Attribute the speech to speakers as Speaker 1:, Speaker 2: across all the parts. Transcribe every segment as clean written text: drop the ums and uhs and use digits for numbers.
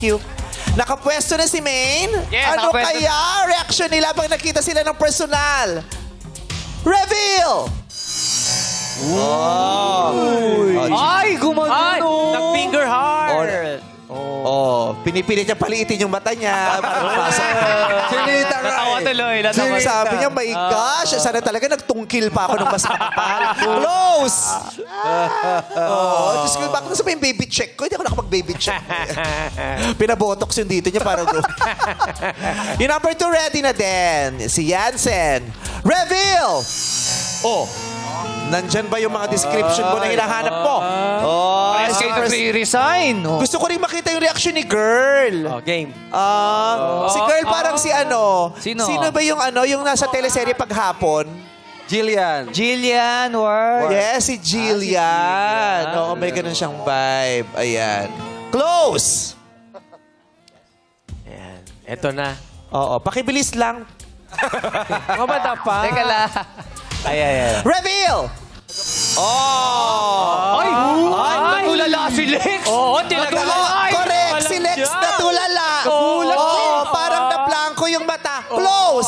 Speaker 1: you. Nakapwesto na si Maine.
Speaker 2: Yes,
Speaker 1: Ano
Speaker 2: nakapwesto.
Speaker 1: kaya reaction nila pag nakita sila ng personal? Reveal!
Speaker 2: Ay, gumagano. Nag-finger heart.
Speaker 1: Oh, pinipilit niya paliitin yung mata niya para mapasok.
Speaker 3: Sinita ka
Speaker 2: Natawa tuloy. Natawa.
Speaker 1: Sabi niya, my gosh, sana talaga nagtungkil pa ako ng mas makapal. Close! Oh, Diyos ko, bakit nasa yung baby check ko? Hindi ako nakapag-baby check. Pinabotox yung dito niya para doon. Yung number 2 ready na din. Si Jansen. Reveal! Oh, nandyan ba yung mga description mo na hinahanap mo? Oh,
Speaker 2: Press kayo nag-resign.
Speaker 1: gusto ko rin makita yung reaction ni girl.
Speaker 2: Game.
Speaker 1: Si girl parang si ano?
Speaker 2: Sino?
Speaker 1: Sino ba yung ano, yung nasa teleserye paghapon?
Speaker 3: Jillian.
Speaker 2: Jillian Ward.
Speaker 1: Yes, si Jillian. Oo, may ganun siyang vibe. Ayan. Close!
Speaker 2: Ayan. Eto na.
Speaker 1: Oo, pakibilis lang.
Speaker 2: Mabata pa. Teka lang. Ay.
Speaker 1: Reveal! Oh!
Speaker 2: Ay! Natulala si Lex! Oo, tinatulala.
Speaker 1: Correct! Si Lex natulala. Oo, parang nablangko yung mata. Close!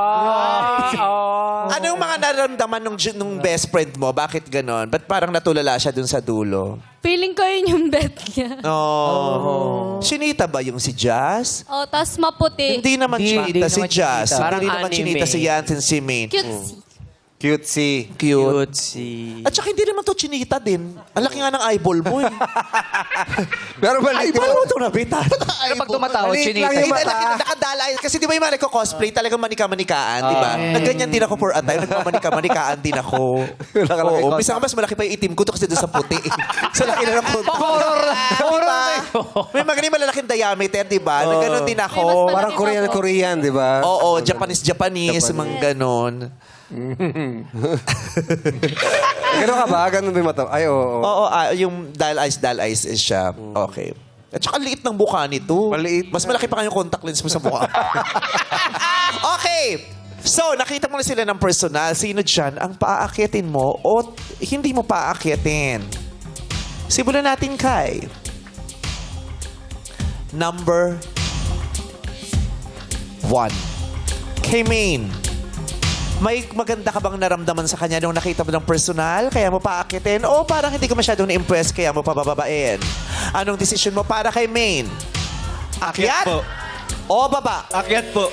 Speaker 1: Ano yung mga nararamdaman nung best friend mo? Bakit ganon? Ba't parang natulala siya dun sa dulo?
Speaker 4: Feeling ko yun yung bet niya.
Speaker 1: Oh. Sinita ba yung si Jazz?
Speaker 4: Oh, tas maputi.
Speaker 1: Hindi naman
Speaker 2: Hindi
Speaker 1: chinita si
Speaker 2: naman
Speaker 1: Jazz.
Speaker 2: chinita. Parang
Speaker 1: Hindi naman
Speaker 2: anime.
Speaker 1: chinita si Jansen si Maine.
Speaker 4: Cutesy.
Speaker 3: Cutesy.
Speaker 1: Cute.
Speaker 2: si...
Speaker 1: At saka hindi naman to chinita din. Ang laki nga ng eyeball mo eh.
Speaker 3: Pero maliit
Speaker 1: Eyeball mo ito nabita.
Speaker 2: Pero pag tumatawa,
Speaker 3: Maliit
Speaker 2: chinita.
Speaker 3: lang yung
Speaker 1: Hindi,
Speaker 3: mata.
Speaker 1: nakadalay. Kasi di ba yung mga nagko-cosplay, talagang manika-manikaan, di ba? Nagganyan din ako for a time. Nagmamanika-manikaan din ako.
Speaker 3: Nakalaki
Speaker 1: Oo.
Speaker 3: ko.
Speaker 1: Minsan mas malaki pa yung itim ko to kasi doon sa puti. Sa laki na ng konti.
Speaker 2: Horror.
Speaker 1: Diba? May mga ganyan malalaking diameter, di ba? Na gano'n din
Speaker 4: May
Speaker 1: ako.
Speaker 4: mas
Speaker 3: Parang Korean, di ba?
Speaker 1: Oo, Japanese, mga ganon.
Speaker 3: Gano'n ka ba? Gano'n ba yung mata? Ay, oo.
Speaker 1: Oo, yung doll eyes is siya. Okay. At saka liit ng mukha nito.
Speaker 3: Maliit.
Speaker 1: Mas malaki pa nga yung contact lens mo sa mukha. Okay. So, nakita mo na sila ng personal. Sino dyan ang paaakitin mo o hindi mo paaakitin? Simulan natin kay number 1. Kay Maine. May maganda ka bang naramdaman sa kanya nung nakita mo ng personal, kaya mo paakitin? O parang hindi ka masyadong na-impress, kaya mo pabababain? Anong decision mo para kay Maine? Akyat?
Speaker 5: po.
Speaker 1: O baba?
Speaker 5: Akyat po.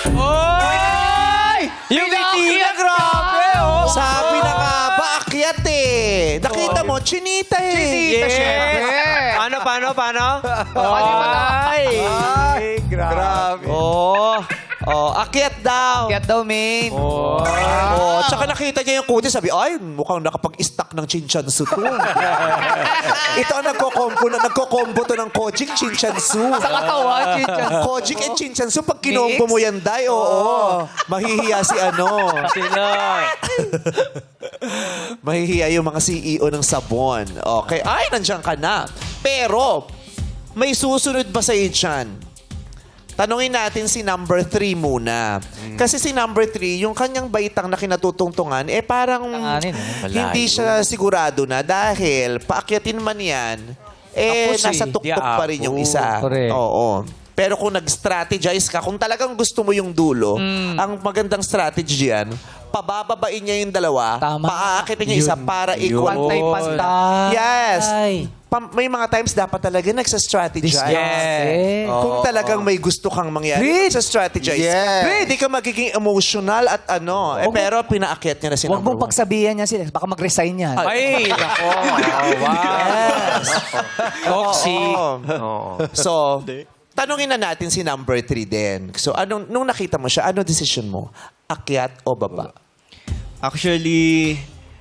Speaker 2: Oy! Yung ngiti na grabe, oh!
Speaker 1: Sabi na nga ba, akyat eh. Nakita mo, chinita eh.
Speaker 2: Chinita, syempre. Paano? Ay!
Speaker 3: Ay, grabe.
Speaker 1: Oh, akyat daw.
Speaker 2: Get daw, main.
Speaker 1: Oh, tsaka nakita niya yung kutis, sabi, ay, mukhang nakapag-stack ng chinchansu to. Ito ang nagko-combo to ng Kojic chinchansu.
Speaker 2: Sa katawan, chinchan.
Speaker 1: Kojic and chinchansu, pag kinombo mo yan, day, oo. Mahihiya si ano.
Speaker 2: Sino?
Speaker 1: Mahihiya yung mga CEO ng sabon. Okay, ay, nandiyan ka na. Pero, may susunod ba sa'yo dyan? Tanungin natin si number 3 muna. Kasi si number 3, yung kanyang baitang na kinatutungtungan, parang
Speaker 2: Tanganin,
Speaker 1: hindi siya sigurado na dahil paakyatin man yan,
Speaker 2: Tapos
Speaker 1: nasa tuktok pa rin yung isa.
Speaker 2: Correct.
Speaker 1: Oo. Pero kung nag-strategize ka, kung talagang gusto mo yung dulo, ang magandang strategy yan, pabababain niya yung dalawa,
Speaker 2: Tama.
Speaker 1: paaakitin niya isa para equal.
Speaker 2: Pantay-pantay.
Speaker 1: Yes. May mga times dapat talaga nagsa-strategize.
Speaker 2: Yes.
Speaker 1: Kung talagang may gusto kang mangyari, nagsa-strategize.
Speaker 3: Yes.
Speaker 1: Hindi ka magiging emotional at ano. Pero pinaakyat niya na si
Speaker 6: Huwag
Speaker 1: number
Speaker 6: mong
Speaker 1: 1.
Speaker 6: pagsabihan niya sila. Baka mag-resign yan.
Speaker 2: Ay, nako.
Speaker 1: Yes.
Speaker 2: Toxic.
Speaker 1: So, tanungin na natin si number 3 din. So, nung nakita mo siya, ano decision mo? Akyat o baba?
Speaker 5: Actually,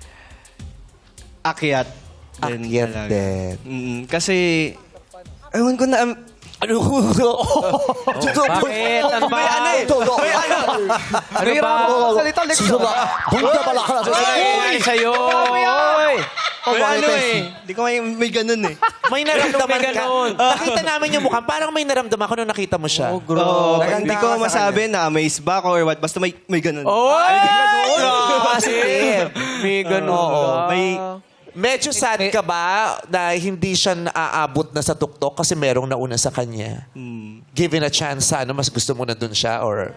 Speaker 5: akyat.
Speaker 1: Akyat
Speaker 5: talaga.
Speaker 1: din.
Speaker 5: Kasi, ewan ko na,
Speaker 1: Ano?
Speaker 2: Bakit? Ano ba?
Speaker 5: may ano eh. May ano.
Speaker 2: Ano ba? Salita, Lex. Ay, sa'yo. Oy.
Speaker 5: May ano eh. Di ko may ganun eh.
Speaker 1: May naramdaman
Speaker 2: May
Speaker 1: ka.
Speaker 2: ganon.
Speaker 1: Nakita namin yung mukha. Parang may naramdaman ko nung nakita mo siya.
Speaker 5: Oo,
Speaker 3: Naganda
Speaker 5: hindi
Speaker 3: ka
Speaker 5: ko
Speaker 3: sa
Speaker 5: masabi na amaze ba ako or what. Basta may ganun.
Speaker 2: Oy!
Speaker 1: Positive.
Speaker 2: May ganun.
Speaker 1: Oo.
Speaker 5: May
Speaker 1: Medyo sad ka ba na hindi siya naaabot na sa tuktok kasi merong nauna sa kanya? Given a chance, ano, mas gusto mo na dun siya or...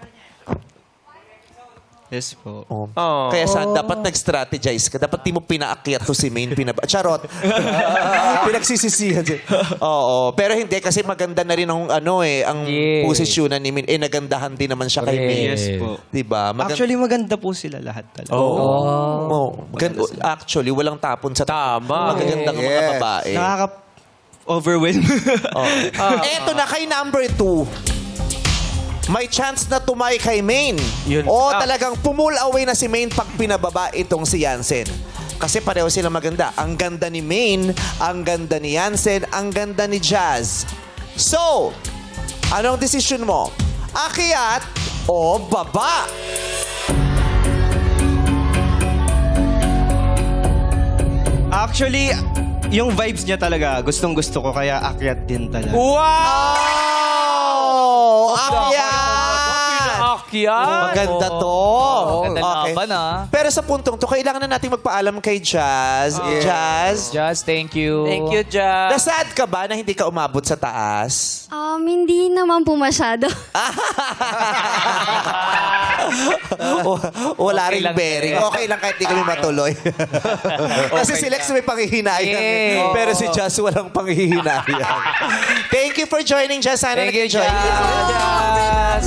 Speaker 5: Yes po.
Speaker 1: Oh. Kaya dapat nag-strategize ka. Dapat di mo pinaakyat to si Maine. Charot. Pinagsisisihan siya. Oo. Pero hindi kasi maganda na rin ang ang posisyonan ni Maine. Nagandahan din naman siya kay Maine.
Speaker 5: Yes po.
Speaker 1: Diba?
Speaker 5: Actually, maganda po sila lahat talaga.
Speaker 1: Actually, walang tapon sa
Speaker 2: Tama.
Speaker 1: magagandang mga
Speaker 3: Yes.
Speaker 1: babae.
Speaker 5: Nakaka-overwhelm.
Speaker 1: Eto na kay number 2. May chance na tumay kay Maine.
Speaker 2: Yun.
Speaker 1: O talagang pull away na si Maine pag pinababa itong si Jansen. Kasi pareho sila maganda. Ang ganda ni Maine, ang ganda ni Jansen, ang ganda ni Jazz. So, anong desisyon mo? Akyat o baba?
Speaker 5: Actually, yung vibes niya talaga, gustong-gusto ko, kaya akyat din talaga.
Speaker 1: Wow! Akyat!
Speaker 2: Akyat.
Speaker 1: Maganda to.
Speaker 6: Ganda laban,
Speaker 1: Pero sa puntong to, kailangan na natin magpaalam kay Jazz. Jazz,
Speaker 6: Just thank you.
Speaker 2: Thank you, Jazz.
Speaker 1: nasad ka ba na hindi ka umabot sa taas?
Speaker 4: Hindi naman po masyado.
Speaker 1: Wala
Speaker 6: Okay
Speaker 1: ring
Speaker 6: lang
Speaker 1: bearing.
Speaker 6: din.
Speaker 1: Okay lang kahit di kami matuloy. Kasi si Lex may panghihinayang. Pero si Jazz walang panghihinayang. Thank you for joining, Jazz. Sana
Speaker 6: Thank you,
Speaker 1: nag-enjoy ka.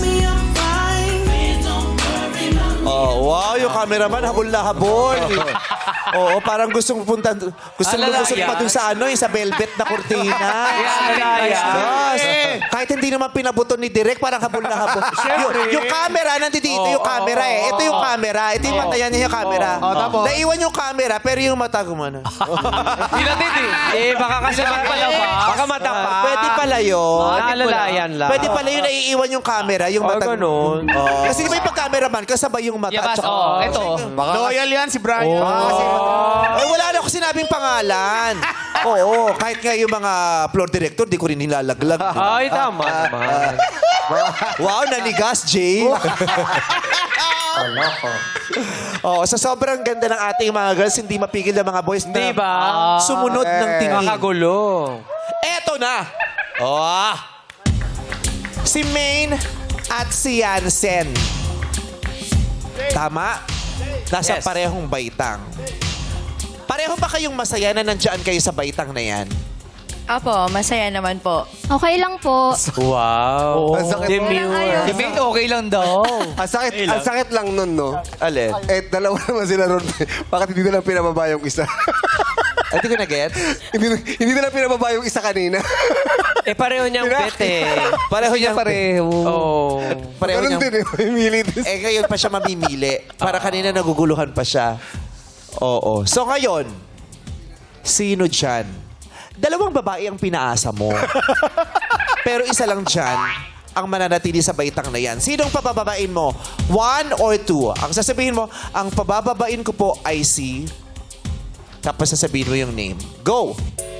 Speaker 1: Oh, wow, yung cameraman habol na habol. Oo, parang gustong pumunta, gustong lumusot pa dun sa yung sa velvet na kurtina. Yes. Kahit hindi naman pinabuton ni Direk, parang habol na habol. yung camera, nandito yung camera eh. Ito yung camera. Ito yung mata yan yung camera. Naiwan yung camera, pero yung mata gumana.
Speaker 2: Pinatid baka kasi magpalaba. Baka mata pa.
Speaker 1: Pwede pala yun.
Speaker 2: Naalalayan lang.
Speaker 1: Pwede pala yun, naiiwan yung camera, yung mata.
Speaker 2: Ganun.
Speaker 1: Kasi di ba yung pag-cameraman, kasabay yung mata.
Speaker 6: Yabas,
Speaker 1: tsaka-
Speaker 6: ito.
Speaker 3: Loyal yan si Brian.
Speaker 1: Ay, wala na ako sinabing pangalan. Oo, kahit nga yung mga floor director, di ko rin nilalaglag.
Speaker 2: Ay, tama naman.
Speaker 1: Wow, nanigas, Jay. Oo, sa sobrang ganda ng ating mga girls, hindi mapigil ng mga boys na
Speaker 2: Diba?
Speaker 1: sumunod ng tingin.
Speaker 2: Makagulo.
Speaker 1: Eto na. Oh. Si Maine at si Jansen. Tama? Nasa
Speaker 2: Yes.
Speaker 1: parehong baitang. Pareho ba kayong masaya na nandiyan kayo sa baitang na yan?
Speaker 7: Apo, masaya naman po.
Speaker 4: Okay lang po.
Speaker 2: Wow.
Speaker 3: Ang sakit.
Speaker 6: Si Mate, okay lang daw.
Speaker 3: Ang sakit lang nun, no?
Speaker 1: Alin?
Speaker 3: Dalawa naman sila ron. Bakit hindi na lang pinababa yung isa?
Speaker 1: Hindi ko na-get.
Speaker 3: hindi na lang pinababa yung isa kanina.
Speaker 2: Pareho niyang bet
Speaker 1: Pareho niya
Speaker 6: Pareho.
Speaker 2: Oh.
Speaker 1: Pareho
Speaker 3: Ganun
Speaker 1: niya.
Speaker 3: din eh. May din.
Speaker 1: Ngayon pa siya mamimili. Para kanina naguguluhan pa siya. Oo. So ngayon, sino dyan? Dalawang babae ang pinaasa mo. Pero isa lang dyan ang mananatili sa baitang na yan. Sinong pabababain mo? 1 or 2? Ang sasabihin mo, ang pabababain ko po ay si... Tapos sasabihin mo yung name. Go!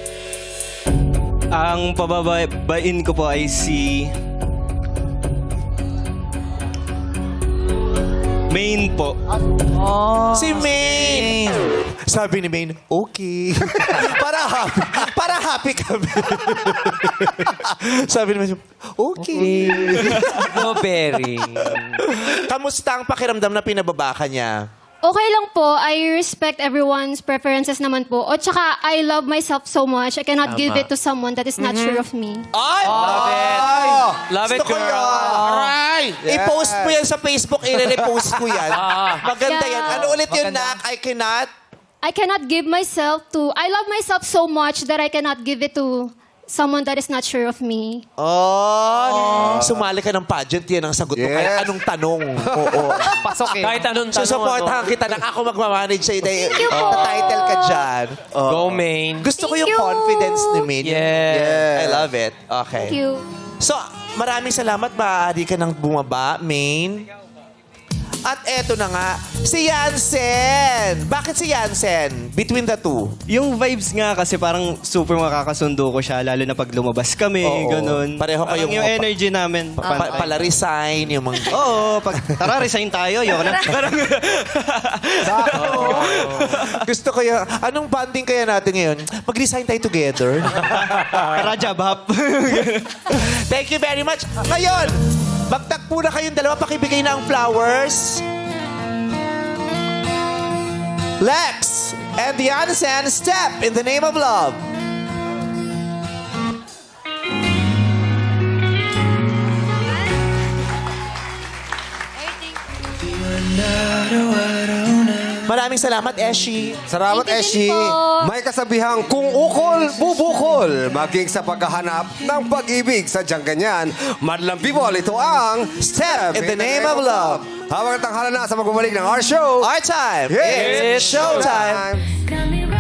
Speaker 5: Ang pababain ko po ay si... Maine po.
Speaker 1: Si Maine! Sabi ni Maine, okay. para happy kami. Sabi ni Maine, okay.
Speaker 2: No bearing.
Speaker 1: Kamusta ang pakiramdam na pinababa ka niya?
Speaker 4: Okay lang po. I respect everyone's preferences naman po. O tsaka, I love myself so much. I cannot give it to someone that is not sure of me.
Speaker 1: Ay!
Speaker 2: Love it. Love it,
Speaker 1: Gusto ko
Speaker 2: girl.
Speaker 1: yan. Aray! I-post mo yan sa Facebook. I-repost ko yan. Maganda
Speaker 4: Yeah.
Speaker 1: yan. Ano ulit yun, Nak?
Speaker 4: I cannot give myself to... I love myself so much that I cannot give it to someone that is not sure of me.
Speaker 1: Oh! Sumali ka ng pageant, yan ang sagot mo.
Speaker 3: Yes.
Speaker 1: Kahit anong tanong. Oo.
Speaker 6: Pasok eh.
Speaker 2: Kahit anong tanong.
Speaker 1: Susuportahan kita na ako magmamanage sa'yo. Thank
Speaker 4: you po.
Speaker 1: Title ka dyan.
Speaker 2: Go, Maine.
Speaker 1: Gusto ko
Speaker 4: Thank
Speaker 1: yung
Speaker 4: you.
Speaker 1: confidence ni Maine.
Speaker 2: Yeah.
Speaker 1: I love it. Okay.
Speaker 4: Thank you.
Speaker 1: So, maraming salamat. Maaari ka nang bumaba, Maine. At eto na nga, Si Yansen. Bakit si Yansen? Between the two.
Speaker 5: Yung vibes nga kasi parang super makakasundo ko siya, lalo na pag lumabas kami,
Speaker 1: Oo.
Speaker 5: ganun.
Speaker 1: Pareho
Speaker 5: Parang
Speaker 1: kayong-
Speaker 5: yung energy namin.
Speaker 1: Pala-resign, yung mga...
Speaker 5: Oo, pag tara, resign tayo, yun na. Parang,
Speaker 1: Gusto ko yung... Anong bonding kaya natin ngayon? Mag-resign tayo together.
Speaker 5: tara, job hop.
Speaker 1: Thank you very much. Ngayon, magtagpo na kayong dalawa. Pakibigay na ang flowers. Lex and the Yansen, step in the name of love. Maraming salamat, Eshi.
Speaker 3: Salamat,
Speaker 4: Thank
Speaker 3: Eshi.
Speaker 4: you din po.
Speaker 3: May kasabihang kung ukol, bubukol. Maging sa paghahanap ng pag-ibig. Sadyang ganyan. Madlang people, ito ang
Speaker 1: Step in the name of love.
Speaker 3: Habang tanghala na sa magbabalik ng our show.
Speaker 1: Our time.
Speaker 3: It's
Speaker 1: It's showtime.
Speaker 3: showtime.
Speaker 8: Got me right